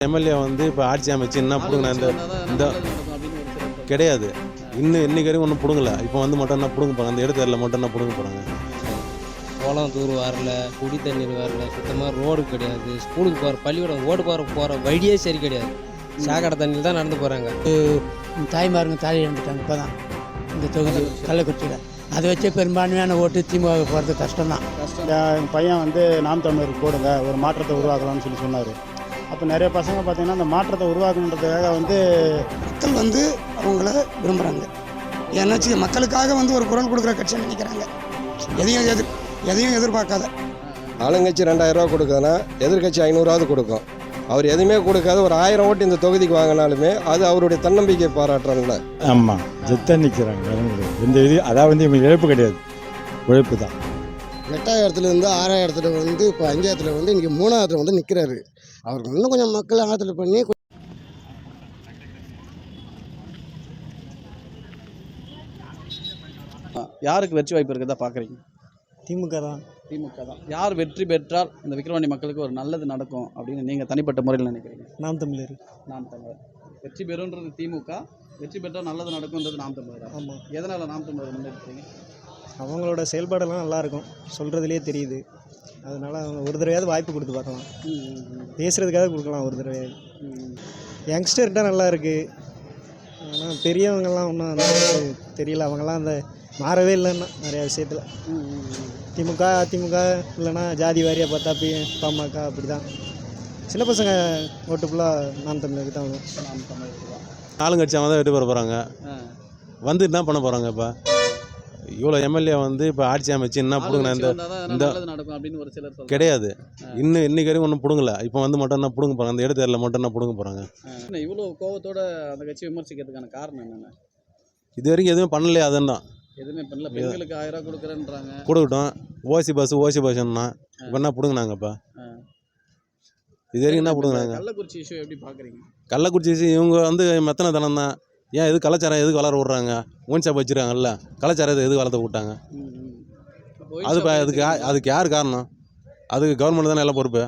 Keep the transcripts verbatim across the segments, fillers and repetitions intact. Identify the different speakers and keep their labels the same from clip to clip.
Speaker 1: MLA வந்து இப்போ ஆட்சி அமைச்சு என்ன பிடுங்கின இந்த இந்த கிடையாது. இன்னும் இன்னைக்கு வரைக்கும் ஒன்றும் பிடுங்கல. இப்போ வந்து மட்டும் என்ன பிடுங்க போகிறாங்க, அந்த இடத்துல மட்டும் என்ன பிடுங்க போகிறாங்க.
Speaker 2: குளம் தூர் வரல, குடி தண்ணீர் வரல, சுத்தமாக ரோடு கிடையாது, ஸ்கூலுக்கு போகிற பள்ளிக்கூடம் ஓடு போகிற போகிற வழியே சரி கிடையாது. சாக்கடை தண்ணியில் தான் நடந்து போகிறாங்க.
Speaker 3: தாய்மாருங்க தாலி இழந்துட்டாங்க இப்போ தான் இந்த தொகுதி கள்ளக்குறிச்சியில். அதை வச்சு பெரும்பான்மையான ஓட்டு திமுக போகிறது கஷ்டம்தான்.
Speaker 4: என் பையன் வந்து நாம் தமிழருக்கு போடுங்க, ஒரு மாற்றத்தை உருவாக்கலாம்னு சொல்லி சொன்னார். அப்போ நிறைய பசங்க பார்த்திங்கன்னா அந்த மாற்றத்தை உருவாக்கணுன்றதுக்காக வந்து
Speaker 3: மக்கள் வந்து அவங்கள விரும்புகிறாங்க. ஏன்னாச்சு மக்களுக்காக வந்து ஒரு குரல் கொடுக்குற கட்சின்னு நினைக்கிறாங்க. எதையும் எதிர் எதையும் எதிர்பார்க்காத
Speaker 5: ஆளுங்கட்சி ரெண்டாயிரம் ரூபா கொடுக்குதுன்னா எதிர்கட்சி ஐநூறாவது கொடுக்கும். அவர் எதுவுமே கொடுக்காத ஒரு ஆயிரம் ஓட்டு இந்த தொகுதிக்கு வாங்கினாலுமே அது அவருடைய தன்னம்பிக்கை பாராட்டுறாங்கள.
Speaker 6: ஆமாம், ஜெத்த நிற்கிறாங்க. இந்த இது அதாவது வந்து இவங்க இழப்பு கிடையாது, உழைப்பு தான்.
Speaker 7: எட்டாயிரத்துலேருந்து ஆறாயிரத்துல வந்து இப்போ அஞ்சாயிரத்தில் வந்து இன்றைக்கி மூணாயிரத்தில் வந்து நிற்கிறாரு. அவருக்கு இன்னும் கொஞ்சம் மக்கள் ஆதரவு பண்ணி
Speaker 8: யாருக்கு வெற்றி வாய்ப்பு இருக்கிறதா பார்க்குறீங்க?
Speaker 3: திமுக தான்.
Speaker 8: திமுக தான். யார் வெற்றி பெற்றால் இந்த விக்கிரவாண்டி மக்களுக்கு ஒரு நல்லது நடக்கும் அப்படின்னு நீங்கள் தனிப்பட்ட முறையில் நினைக்கிறீங்க?
Speaker 3: நாம் தமிழர்.
Speaker 8: நாம் தமிழர் வெற்றி பெறுன்றது திமுக, வெற்றி பெற்றால் நல்லது நடக்கும்ன்றது நாம் தமிழர்.
Speaker 3: ஆமாம்.
Speaker 8: எதனால் நாம் தமிழர் முன்னெடுக்கிறீங்க?
Speaker 3: அவங்களோட செயல்பாடெல்லாம் நல்லாயிருக்கும், சொல்கிறதுலேயே தெரியுது. அதனால் அவங்க ஒரு தடவையாவது வாய்ப்பு கொடுத்து பார்க்கலாம், பேசுகிறதுக்காக கொடுக்கலாம் ஒரு தடவையாவது. யங்ஸ்டர்கிட்ட நல்லா இருக்குது, ஆனால் பெரியவங்கெல்லாம் ஒன்றும் அந்த தெரியல. அவங்கெல்லாம் அந்த மாறவே இல்லைன்னா நிறையா விஷயத்தில். திமுக அதிமுக இல்லைன்னா ஜாதி வாரியாக பார்த்தா பி பாமக அப்படி தான். சின்ன பசங்க ஓட்டு ஃபுல்லாக நாம் தமிழருக்கு தான் வரும்.
Speaker 8: நாம் தமிழருக்கு தான்.
Speaker 1: ஆளுங்கட்சி அவங்க தான் வெற்றி பெற போகிறாங்க. வந்து என்ன பண்ண போகிறாங்க? இப்போ இவ்வளோ எம்எல்ஏ வந்து இப்போ ஆட்சி அமைச்சு என்ன பிடுங்கின இந்த இந்த
Speaker 8: நடக்கும் அப்படின்னு ஒரு சிலர்
Speaker 1: கிடையாது. இன்னும் இன்னைக்கு வரைக்கும் ஒன்றும் பிடுங்கல. இப்போ வந்து மட்டும் என்ன பிடுங்க போகிறாங்க, அந்த இடத்துல மட்டும் என்ன பிடுங்க போகிறாங்க.
Speaker 8: இவ்வளோ கோவத்தோட அந்த கட்சி விமர்சிக்கிறதுக்கான காரணம் என்னென்ன?
Speaker 1: இது வரைக்கும் எதுவுமே பண்ணலையே. அதுதான்
Speaker 8: எதுவுமே பண்ணல. பெண்களுக்கு ஆயிரம் ரூபா கொடுக்குறேன்றாங்க,
Speaker 1: கொடுக்கட்டும். ஓசி பஸ் ஓசி பஸ்ன்னா இப்போ என்ன பிடுங்கினாங்கப்பா? இது வரைக்கும் என்ன பிடுங்கினாங்க?
Speaker 8: கள்ளக்குறிச்சி இஷ்யூ எப்படி பார்க்குறீங்க?
Speaker 1: கள்ளக்குறிச்சி இவங்க வந்து மெத்தனை தனம் தான். ஏன் எது கலாச்சாரம் எதுக்கு வளர விட்றாங்க? ஒன் ஷாப் வச்சுருக்காங்கல்ல, கலாச்சாரத்தை எதுக்கு வளர்த்த விட்டாங்க? அது அதுக்கு அதுக்கு யார் காரணம்? அதுக்கு கவர்மெண்ட் தானே எல்லாம் பொறுப்பு.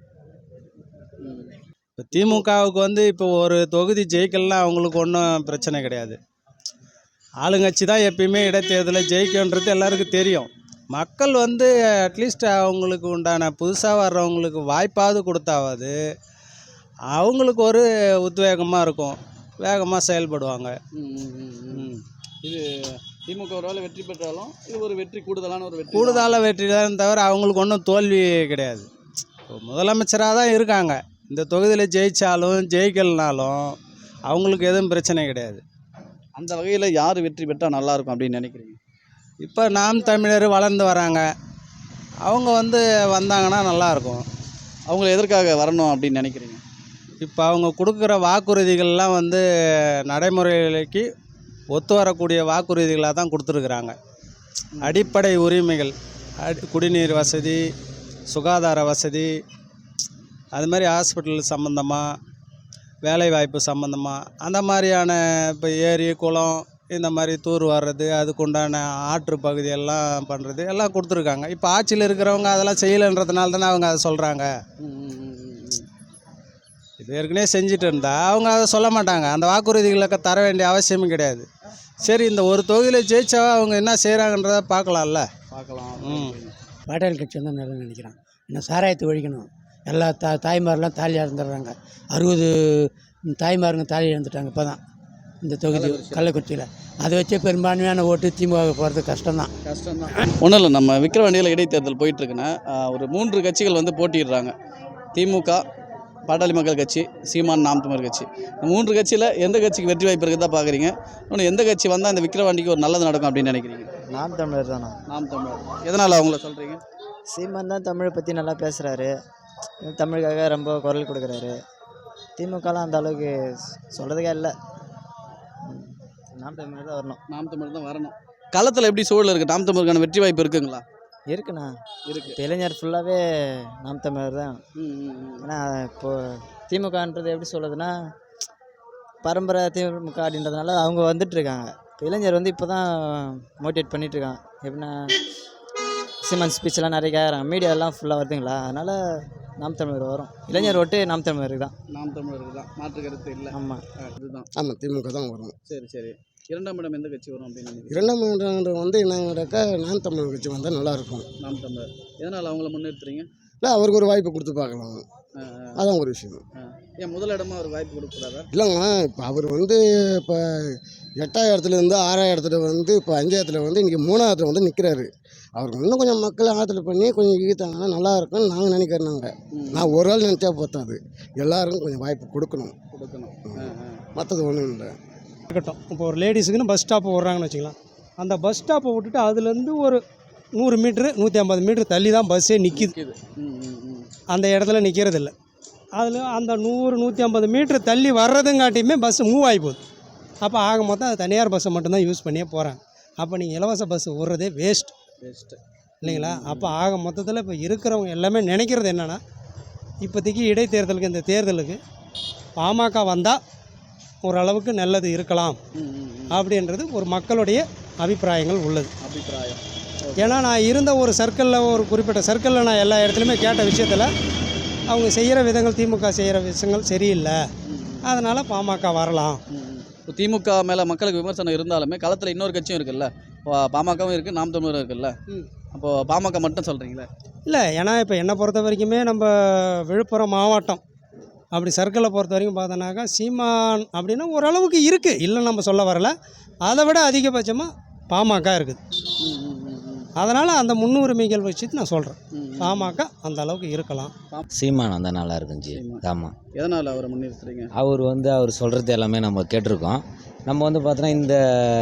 Speaker 2: இப்போ திமுகவுக்கு வந்து இப்போ ஒரு தொகுதி ஜெயிக்கலாம் அவங்களுக்கு ஒன்றும் பிரச்சனை கிடையாது. ஆளுங்கட்சி தான் எப்பயுமே இடைத்தேர்தலில் ஜெயிக்குன்றது எல்லாருக்கும் தெரியும். மக்கள் வந்து அட்லீஸ்ட் அவங்களுக்கு உண்டான புதுசாக வர்றவங்களுக்கு வாய்ப்பாவது கொடுத்தாவது அவங்களுக்கு ஒரு உத்வேகமாக இருக்கும், வேகமாக செயல்படுவாங்க.
Speaker 8: இது திமுக ஒரு வேளை வெற்றி பெற்றாலும் இது ஒரு வெற்றி கூடுதலான ஒரு வெற்றி
Speaker 2: கூடுதலாக வெற்றி தான் தவிர அவங்களுக்கு ஒன்றும் தோல்வி கிடையாது. முதலமைச்சராக தான் இருக்காங்க. இந்த தொகுதியில் ஜெயித்தாலும் ஜெயிக்கலனாலும் அவங்களுக்கு எதுவும் பிரச்சனை கிடையாது.
Speaker 8: அந்த வகையில் யார் வெற்றி பெற்றால் நல்லாயிருக்கும் அப்படின்னு நினைக்கிறீங்க?
Speaker 2: இப்போ நாம் தமிழர் வளர்ந்து வராங்க, அவங்க வந்து வந்தாங்கன்னா நல்லாயிருக்கும்.
Speaker 8: அவங்க எதற்காக வரணும் அப்படின்னு நினைக்கிறீங்க?
Speaker 2: இப்போ அவங்க கொடுக்குற வாக்குறுதிகள்லாம் வந்து நடைமுறைக்கு ஒத்து வரக்கூடிய வாக்குறுதிகளாக தான் கொடுத்துருக்குறாங்க. அடிப்படை உரிமைகள், அடி குடிநீர் வசதி, சுகாதார வசதி, அது மாதிரி ஹாஸ்பிட்டல் சம்மந்தமாக, வேலைவாய்ப்பு சம்மந்தமாக, அந்த மாதிரியான இப்போ ஏரி குளம் இந்த மாதிரி தூர் வர்றது, அதுக்குண்டான ஆற்று பகுதியெல்லாம் பண்ணுறது எல்லாம் கொடுத்துருக்காங்க. இப்போ ஆட்சியில் இருக்கிறவங்க அதெல்லாம் செய்யலைன்றதுனால தானே அவங்க அதை சொல்கிறாங்க. இது ஏற்கனவே செஞ்சுட்டு இருந்தால் அவங்க அதை சொல்ல மாட்டாங்க. அந்த வாக்குறுதிகளுக்கு தர வேண்டிய அவசியமும் கிடையாது. சரி, இந்த ஒரு தொகுதியில் ஜெயிச்சா அவங்க என்ன செய்கிறாங்கன்றதை பார்க்கலாம்ல.
Speaker 8: பார்க்கலாம்.
Speaker 2: ம்
Speaker 3: பாட்டாளி கட்சி வந்து நல்லா நினைக்கிறான். இன்னும் சாராயத்தை ஒழிக்கணும். எல்லா தா தாய்மாரெலாம் தாலி இழந்துடுறாங்க. அறுபது தாய்மாருங்க தாலி இழந்துட்டாங்க இப்போ தான் இந்த தொகுதி கள்ளக்குறிச்சியில். அதை வச்சு பெரும்பான்மையான ஓட்டு திமுக போகிறது கஷ்டம்தான்.
Speaker 8: கஷ்டம்தான். ஒன்றும் இல்லை, நம்ம விக்கிரவாண்டியில் இடைத்தேர்தல் போயிட்டுருக்குன்னா ஒரு மூன்று கட்சிகள் வந்து போட்டிடுறாங்க. திமுக, பாட்டாளி மக்கள் கட்சி, சீமான், நாம் தமிழர் கட்சி. இந்த மூன்று கட்சியில் எந்த கட்சிக்கு வெற்றி வாய்ப்பு இருக்கிறதா பார்க்குறீங்க? இன்னொன்று எந்த கட்சி வந்தால் இந்த விக்கிரவாண்டிக்கு ஒரு நல்லது நடக்கும் அப்படின்னு நினைக்கிறீங்க?
Speaker 7: நாம் தமிழர் தானா?
Speaker 8: நாம் தமிழர். எதனால் அவங்கள சொல்கிறீங்க?
Speaker 7: சீமான் தான் தமிழை பற்றி நல்லா பேசுகிறாரு, தமிழுக்காக ரொம்ப குரல் கொடுக்குறாரு. திமுகலாம் அந்த அளவுக்கு சொல்கிறதுக்கே இல்லை. நாம் தமிழர் தான் வரணும்.
Speaker 8: நாம் தமிழர் தான் வரணும். களத்தில் எப்படி சூழல் இருக்குது? நாம் தமிழருக்கான வெற்றி வாய்ப்பு இருக்குங்களா?
Speaker 7: இருக்குண்ணா,
Speaker 8: இருக்குது.
Speaker 7: இப்போ இளைஞர் ஃபுல்லாகவே நாம் தமிழர் தான். ஏன்னா இப்போது திமுகன்றது எப்படி சொல்லுதுன்னா பரம்பரை திமுக அப்படின்றதுனால அவங்க வந்துட்டுருக்காங்க. இப்போ இளைஞர் வந்து இப்போ தான் மோட்டிவேட் பண்ணிகிட்ருக்காங்க. எப்படின்னா சீமான் ஸ்பீச்செல்லாம் நிறைய கேட்குறாங்க, மீடியாலாம் ஃபுல்லாக வருதுங்களா, அதனால் நாம் தமிழர் வரும். இளைஞர் ஓட்டு நாம் தமிழருக்கு தான்.
Speaker 8: நாம் தமிழருக்கு தான், மாற்று கருத்து இல்லை.
Speaker 7: ஆமாம்.
Speaker 8: அதுதான்.
Speaker 9: ஆமாம், திமுக தான் வரும்.
Speaker 8: சரி சரி இரண்டாம் இடம் எந்த கட்சி வரும் அப்படின்னு நினைக்கிறீங்க?
Speaker 9: இரண்டாம் இடம் வந்து என்னன்னாக்கா நாம் தமிழர் கட்சி வந்தால் நல்லாயிருக்கும்.
Speaker 8: நாம் தமிழர் எதனால் அவங்கள முன்னிறுத்துறீங்க?
Speaker 9: இல்லை, அவருக்கு ஒரு வாய்ப்பு கொடுத்து பார்க்கலாம், அதான் ஒரு விஷயம்.
Speaker 8: ஏன் முதல் இடமா அவர் வாய்ப்பு கொடுக்குறாரா?
Speaker 9: இல்லைங்க, இப்போ அவர் வந்து இப்போ எட்டாயிரத்துலேருந்து ஆறாயிரத்துல வந்து இப்போ அஞ்சாயிரத்தில் வந்து இன்றைக்கி மூணாயிரத்தில் வந்து நிற்கிறாரு. அவருக்கு இன்னும் கொஞ்சம் மக்கள் ஆதரவு பண்ணி கொஞ்சம் ஈர்த்தாங்கன்னா நல்லா இருக்கும்னு நாங்கள் நினைக்கிறோம். நாங்கள் நான் ஒரு ஆள் நினச்சா பார்த்தாது, எல்லாருக்கும் கொஞ்சம் வாய்ப்பு கொடுக்கணும்
Speaker 8: கொடுக்கணும்
Speaker 9: மற்றது ஒன்றும் இல்லை.
Speaker 3: இருக்கட்டும். இப்போ ஒரு லேடிஸுக்குன்னு பஸ் ஸ்டாப்பு விட்றாங்கன்னு வச்சுக்கலாம். அந்த பஸ் ஸ்டாப்பை விட்டுட்டு அதுலேருந்து ஒரு நூறு மீட்ரு நூற்றி ஐம்பது மீட்ரு தள்ளி தான் பஸ்ஸே நிற்கிது. அந்த இடத்துல நிற்கிறதில்ல. அதில் அந்த நூறு நூற்றி ஐம்பது மீட்ரு தள்ளி வர்றதுங்காட்டியுமே பஸ்ஸு மூவ் ஆகி போகுது. அப்போ ஆக மொத்தம் அது தனியார் பஸ்ஸை மட்டும்தான் யூஸ் பண்ணியே போகிறாங்க. அப்போ நீங்கள் இலவச பஸ் விட்றதே வேஸ்ட்
Speaker 8: பெஸ்ட்டு
Speaker 3: இல்லைங்களா? அப்போ ஆக மொத்தத்தில் இப்போ இருக்கிறவங்க எல்லாமே நினைக்கிறது என்னென்னா, இப்போதைக்கு இடைத்தேர்தலுக்கு இந்த தேர்தலுக்கு பாமக வந்தால் ஓரளவுக்கு நல்லது இருக்கலாம் அப்படின்றது ஒரு மக்களுடைய அபிப்பிராயங்கள் உள்ளது.
Speaker 8: அபிப்பிராயம்.
Speaker 3: ஏன்னா நான் இருந்த ஒரு சர்க்கிளில், ஒரு குறிப்பிட்ட சர்க்கிளில் நான் எல்லா இடத்துலையுமே கேட்ட விஷயத்தில் அவங்க செய்கிற விதங்கள், திமுக செய்கிற விஷயங்கள் சரியில்லை, அதனால் பாமக வரலாம்.
Speaker 8: இப்போ திமுக மேலே மக்களுக்கு விமர்சனம் இருந்தாலுமே களத்தில் இன்னொரு கட்சியும் இருக்குல்ல, பாமகவும் இருக்குது, நாம் தமிழரும் இருக்குல்ல. அப்போது பாமக மட்டும் சொல்கிறீங்களே?
Speaker 3: இல்லை, ஏன்னா இப்போ என்னை பொறுத்த வரைக்குமே நம்ம விழுப்புரம் மாவட்டம் அப்படி சர்க்கிளை பொறுத்த வரைக்கும் பார்த்தோன்னாக்கா சீமான் அப்படின்னா ஓரளவுக்கு இருக்குது, இல்லை நம்ம சொல்ல வரல. அதை விட அதிகபட்சமாக பாமக இருக்குது. அதனால் அந்த முன்னுரிமைகள் வச்சுட்டு நான் சொல்கிறேன், பாமக அந்த அளவுக்கு இருக்கலாம்.
Speaker 10: சீமான் வந்தால் நல்லா இருக்கும் ஜி. ஆமாம்.
Speaker 8: எதனால் அவரை முன்னிறுத்துறீங்க?
Speaker 10: அவர் வந்து அவர் சொல்கிறது எல்லாமே நம்ம கேட்டிருக்கோம். நம்ம வந்து பார்த்தோன்னா இந்த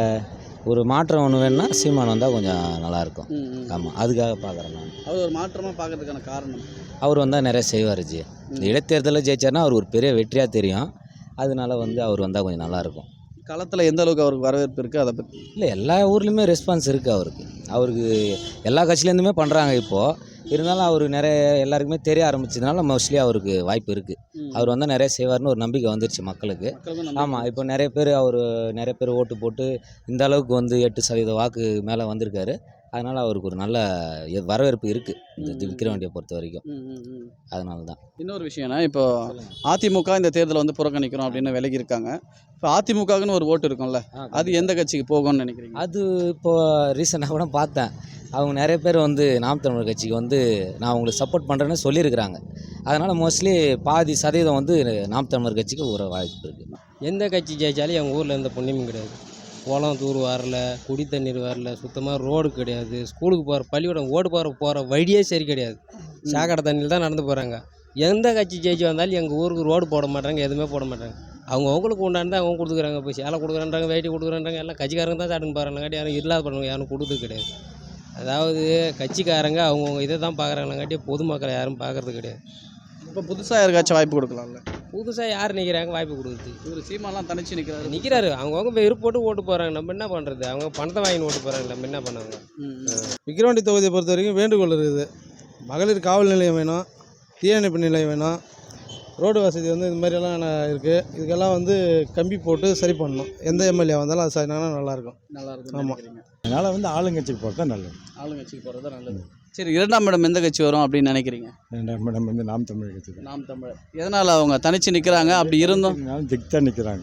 Speaker 10: ஒரு மாற்றம் ஒன்று வேணும்னா சீமான் வந்தால் கொஞ்சம் நல்லாயிருக்கும். ஆமாம், அதுக்காக பார்க்குறேன் நான்.
Speaker 8: அவர் ஒரு மாற்றமாக பார்க்கறதுக்கான காரணம்?
Speaker 10: அவர் வந்தால் நிறைய செய்வார் ஜி. இந்த இடைத்தேர்தலில் ஜெயிச்சார்னா அவர் ஒரு பெரிய வெற்றியாக தெரியும். அதனால வந்து அவர் வந்தால் கொஞ்சம் நல்லாயிருக்கும்.
Speaker 8: களத்தில் எந்த அளவுக்கு அவருக்கு வரவேற்பு இருக்குது அதை பற்றி?
Speaker 10: இல்லை, எல்லா ஊர்லேயுமே ரெஸ்பான்ஸ் இருக்குது அவருக்கு. அவருக்கு எல்லா கட்சியிலேருந்துமே பண்ணுறாங்க இப்போது. இருந்தாலும் அவர் நிறைய எல்லாருக்குமே தெரிய ஆரம்பிச்சதுனால மோஸ்ட்லி அவருக்கு வாய்ப்பு இருக்குது. அவர் வந்தால் நிறைய செய்வார்னு ஒரு நம்பிக்கை வந்துருச்சு மக்களுக்கு. ஆமாம், இப்போ நிறைய பேர் அவர் நிறைய பேர் ஓட்டு போட்டு இந்த அளவுக்கு வந்து எட்டு சதவீத வாக்கு மேலே வந்திருக்காரு. அதனால் அவருக்கு ஒரு நல்ல வரவேற்பு இருக்குது இந்த விக்கிரவாண்டியை பொறுத்த வரைக்கும். அதனால தான்.
Speaker 8: இன்னொரு விஷயம்னா, இப்போ அதிமுக இந்த தேர்தலை வந்து புறக்கணிக்கிறோம் அப்படின்னு விலகி இருக்காங்க. இப்போ அதிமுகன்னு ஒரு ஓட்டு இருக்கும்ல, அது எந்த கட்சிக்கு போகும்னு நினைக்கிறீங்க?
Speaker 10: அது இப்போது ரீசெண்டாக கூட பார்த்தேன், அவங்க நிறைய பேர் வந்து நாம் தமிழர் கட்சிக்கு வந்து நான் அவங்களுக்கு சப்போர்ட் பண்ணுறேன்னு சொல்லியிருக்கிறாங்க. அதனால் மோஸ்ட்லி பாதி சதவீதம் வந்து நாம் தமிழர் கட்சிக்கு ஒரு வாய்ப்பு இருக்குது.
Speaker 2: எந்த கட்சி ஜெயிச்சாலும் எங்கள் ஊரில் எந்த புண்ணியமும் கிடையாது. குளம் தூர் வரல, குடி தண்ணீர் வரல, சுத்தமாக ரோடு கிடையாது, ஸ்கூலுக்கு போகிற பள்ளிக்கூடம் ஓடு போகிற போகிற வழியே சரி கிடையாது. சாக்கடை தண்ணியில் தான் நடந்து போகிறாங்க. எந்த கட்சி ஜெயிச்சு வந்தாலும் எங்கள் ஊருக்கு ரோடு போட மாட்டாங்க, எதுவுமே போட மாட்டாங்க. அவங்க அவங்களுக்கு உண்டானது அவங்க கொடுத்துக்கிறாங்க. இப்போ சேலை கொடுக்குறான்றாங்க, வேட்டி கொடுக்குறான்றாங்க, எல்லாம் கட்சிக்காரங்க தான் சாட்டுன்னு பாருங்காட்டி யாரும் இல்லாத பண்ணுவாங்க, யாரும் கொடுத்தது கிடையாது. அதாவது கட்சிக்காரங்க அவங்கவுங்க இதை தான் பார்க்குறாங்களாங்காட்டி பொதுமக்களை யாரும் பார்க்குறது கிடையாது.
Speaker 8: இப்போ புதுசாக யாருக்காச்சும் வாய்ப்பு கொடுக்கலாம்ல?
Speaker 2: புதுசாக யார் நிற்கிறாங்க வாய்ப்பு கொடுக்குறது?
Speaker 8: இவர் சீமாலாம் தனிச்சு நிற்கிறாரு
Speaker 2: நிற்கிறாரு அவங்கவுங்க இப்போ இருப்பு போட்டு ஓட்டு போகிறாங்க. நம்ம என்ன பண்ணுறது? அவங்க பணத்தை வாங்கி ஓட்டு போகிறாங்க, நம்ம என்ன பண்ணாங்க?
Speaker 3: விக்கிரவாண்டி தொகுதியை பொறுத்த வரைக்கும் வேண்டுகோள் இருக்குது. மகளிர் காவல் நிலையம் வேணும், தீயணைப்பு நிலையம் வேணும், ரோடு வசதி வந்து இந்த மாதிரியெல்லாம் இருக்குது. இதுக்கெல்லாம் வந்து கம்பி போட்டு சரி பண்ணணும். எந்த எம்எல்ஏ வந்தாலும் அது சரினா நல்லாயிருக்கும்.
Speaker 8: நல்லாயிருக்கும்.
Speaker 3: ஆமாம்,
Speaker 6: அதனால் வந்து ஆளுங்கட்சிக்கு போகிறது தான் நல்லது.
Speaker 8: ஆளுங்கட்சிக்கு போகிறது தான் நல்லது. சரி, இரண்டாம் இடம் எந்த கட்சி வரும் அப்படின்னு நினைக்கிறீங்க?
Speaker 6: ரெண்டாம் இடம் வந்து நாம் தமிழர் கட்சி தான்.
Speaker 8: நாம் தமிழர். எதனால் அவங்க தனிச்சு நிற்கிறாங்க? அப்படி இருந்தும்
Speaker 6: திக்தான் நிற்கிறாங்க.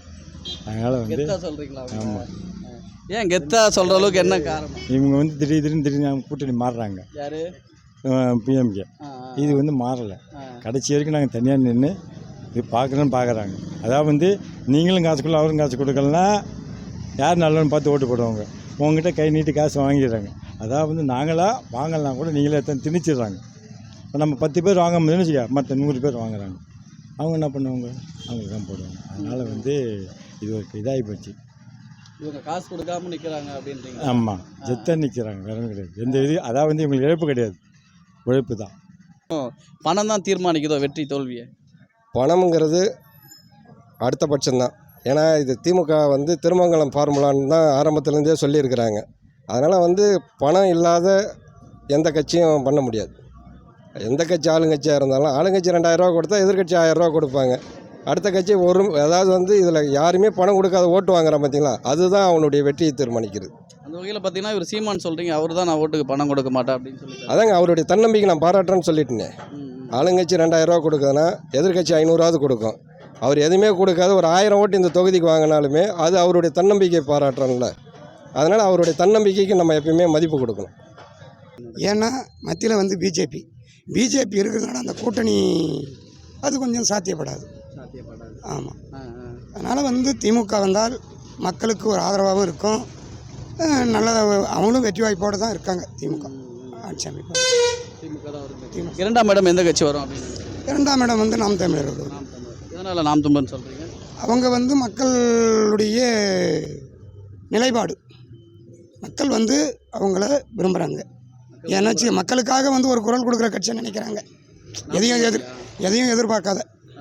Speaker 6: அதனால் வந்து
Speaker 8: கெத்தா சொல்கிறீங்களா?
Speaker 6: ஆமாம்.
Speaker 8: ஏன் கெத்தா சொல்கிற அளவுக்கு என்ன காரணம்?
Speaker 6: இவங்க வந்து திடீர் திடீர்னு திடீர்னு கூட்டணி மாறுறாங்க.
Speaker 8: யார்?
Speaker 6: பிஎம்கே. இது வந்து மாறலை. கடைசி வரைக்கும் நாங்கள் தனியாக நின்று இது பார்க்குறோன்னு பார்க்குறாங்க. அதாவது வந்து நீங்களும் காசு கொடுக்கல, அவரும் காசு கொடுக்கலன்னா யார் நல்லவன்னு பார்த்து ஓட்டு போடுவாங்க. உங்ககிட்ட கை நீட்டி காசு வாங்கிடுறாங்க. அதாவது வந்து நாங்களாக வாங்கலாம் கூட நீங்களே எத்தனை திணிச்சிடுறாங்க. இப்போ நம்ம பத்து பேர் வாங்க முடியும்னு வச்சுக்க, மற்ற நூறு பேர் வாங்குறாங்க. அவங்க என்ன பண்ணுவாங்க? அவங்களுக்கு தான் போடுவாங்க. அதனால் வந்து இது ஒரு இதாகி போச்சு.
Speaker 8: இவங்க காசு கொடுக்காம நிற்கிறாங்க அப்படின்றீங்க?
Speaker 6: ஆமாம், ஜெத்தாக நிற்கிறாங்க, வேற கிடையாது. எந்த இது அதாவது வந்து இவங்களுக்கு இழப்பு கிடையாது, உழைப்பு தான்.
Speaker 8: பணம் தான் தீர்மானிக்குதோ வெற்றி தோல்வியை?
Speaker 5: பணம்ங்கிறது அடுத்த பட்சம்தான். ஏன்னா இது திமுக வந்து திருமங்கலம் ஃபார்முலான்னு தான் ஆரம்பத்துலேருந்தே சொல்லியிருக்கிறாங்க. அதனால் வந்து பணம் இல்லாத எந்த கட்சியும் பண்ண முடியாது. எந்த கட்சி ஆளுங்கட்சியாக இருந்தாலும் ஆளுங்கட்சி ரெண்டாயிரரூவா கொடுத்தா எதிர்கட்சி ஆயிரரூவா கொடுப்பாங்க. அடுத்த கட்சி ஒரு அதாவது வந்து இதில் யாருமே பணம் கொடுக்காத ஓட்டு வாங்குறான் பார்த்தீங்களா, அதுதான் அவனுடைய வெற்றியை தீர்மானிக்கிறது.
Speaker 8: அந்த வகையில் பார்த்தீங்கன்னா இவர் சீமான் சொல்கிறீங்க, அவர் தான் நான் ஓட்டுக்கு பணம் கொடுக்க மாட்டேன் அப்படின்னு சொல்லி.
Speaker 5: அதாங்க அவருடைய தன்னம்பிக்கை நான் பாராட்டுறேன்னு சொல்லிட்டேனே, ஆளுங்கட்சி ரெண்டாயிரரூவா கொடுக்குதுன்னா எதிர்கட்சி ஐநூறாவது கொடுக்கும். அவர் எதுவுமே கொடுக்காத ஒரு ஆயிரம் ஓட்டு இந்த தொகுதிக்கு வாங்கினாலுமே அது அவருடைய தன்னம்பிக்கை பாராட்டுறோம்ல. அதனால் அவருடைய தன்னம்பிக்கைக்கு நம்ம எப்பயுமே மதிப்பு கொடுக்கணும்.
Speaker 11: ஏன்னா மத்தியில் வந்து பிஜேபி பிஜேபி இருக்கிறதுனால அந்த கூட்டணி அது கொஞ்சம் சாத்தியப்படாது. ஆமாம். அதனால் வந்து திமுக வந்தால் மக்களுக்கு ஒரு ஆதரவாகவும் இருக்கும். நல்ல அவங்களும் வெற்றி வாய்ப்போடு தான் இருக்காங்க. திமுக ஆட்சி அமைப்பு.
Speaker 8: இரண்டாம் இடம் எந்த கட்சி வரும் அப்படின்னு?
Speaker 11: இரண்டாம் இடம் வந்து நாம் தமிழர் வருது.
Speaker 8: எதனால் நாம் தமிழர்னு சொல்கிறீங்க?
Speaker 11: அவங்க வந்து மக்களுடைய நிலைப்பாடு, மக்கள் வந்து அவங்கள விரும்புகிறாங்க. ஏன்னாச்சு மக்களுக்காக வந்து ஒரு குரல் கொடுக்குற கட்சியை நினைக்கிறாங்க. எதையும் எதிர் எதையும் எதிர்பார்க்காத.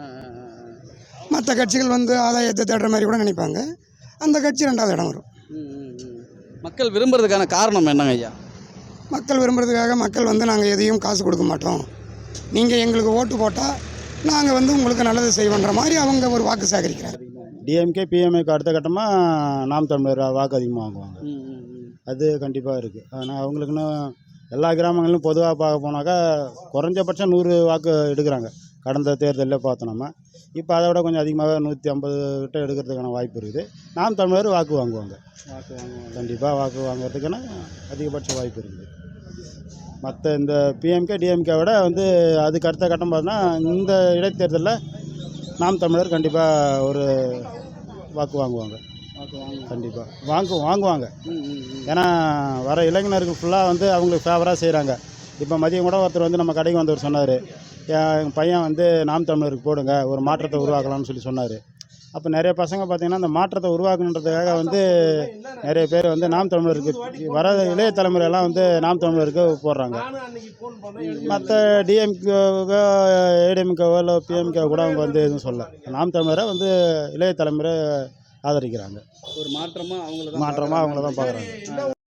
Speaker 11: மற்ற கட்சிகள் வந்து ஆதாயத்தை தேடுற மாதிரி கூட நினைப்பாங்க. அந்த கட்சி ரெண்டாவது இடம் வரும்.
Speaker 8: மக்கள் விரும்புறதுக்கான காரணம் என்னங்க ஐயா?
Speaker 11: மக்கள் விரும்புறதுக்காக மக்கள் வந்து நாங்கள் எதையும் காசு கொடுக்க மாட்டோம், நீங்கள் எங்களுக்கு ஓட்டு போட்டால் நாங்கள் வந்து உங்களுக்கு நல்லது செய்வோன்ற மாதிரி அவங்க ஒரு வாக்கு சேகரிக்கிறாங்க.
Speaker 4: டிஎம்கே பிஎம்ஏக்கு அடுத்த கட்டமாக நாம் தமிழர் வாக்கு அதிகமாக வாங்குவாங்க. அது கண்டிப்பாக இருக்குது. ஆனால் அவங்களுக்குன்னு எல்லா கிராமங்களிலும் பொதுவாக பார்க்க போனாக்கா குறைஞ்சபட்சம் நூறு வாக்கு எடுக்கிறாங்க. கடந்த தேர்தலில் பார்த்தோம் நம்ம. இப்போ அதை விட கொஞ்சம் அதிகமாக நூற்றி ஐம்பது கிட்ட எடுக்கிறதுக்கான வாய்ப்பு இருக்குது. நாம் தமிழர் வாக்கு வாங்குவாங்க. வாக்கு வாங்குவாங்க கண்டிப்பாக. வாக்கு வாங்குறதுக்கான அதிகபட்ச வாய்ப்பு இருக்குது. மற்ற இந்த பிஎம்கே டிஎம்கே விட வந்து அதுக்கு அடுத்த கட்டம் பார்த்தோன்னா இந்த இடைத்தேர்தலில் நாம் தமிழர் கண்டிப்பாக ஒரு வாக்கு வாங்குவாங்க. கண்டிப்பாக வாங்கு வாங்குவாங்க ஏன்னா வர இளைஞருக்கு ஃபுல்லாக வந்து அவங்களுக்கு ஃபேவராக செய்கிறாங்க. இப்போ மதியம் கூட ஒருத்தர் வந்து நம்ம கடைக்கு வந்தவர் சொன்னார், என் பையன் வந்து நாம் தமிழருக்கு போடுங்க, ஒரு மாற்றத்தை உருவாக்கலாம்னு சொல்லி சொன்னார். அப்போ நிறைய பசங்க பார்த்திங்கன்னா அந்த மாற்றத்தை உருவாக்கணுன்றதுக்காக வந்து நிறைய பேர் வந்து நாம் தமிழருக்கு வர இளைய தலைமுறையெல்லாம் வந்து நாம் தமிழருக்கு போடுறாங்க. மற்ற டிஎம்கேவோ ஏடிஎம்கேவோ இல்லை பிஎம்கே கூட அவங்க வந்து எதுவும் சொல்ல. நாம் தமிழரை வந்து இளைய தலைமுறை ஆதரிக்கிறாங்க.
Speaker 8: ஒரு மாற்றமாக அவங்கள
Speaker 4: மாற்றமாக அவங்கள தான் பார்க்குறாங்க.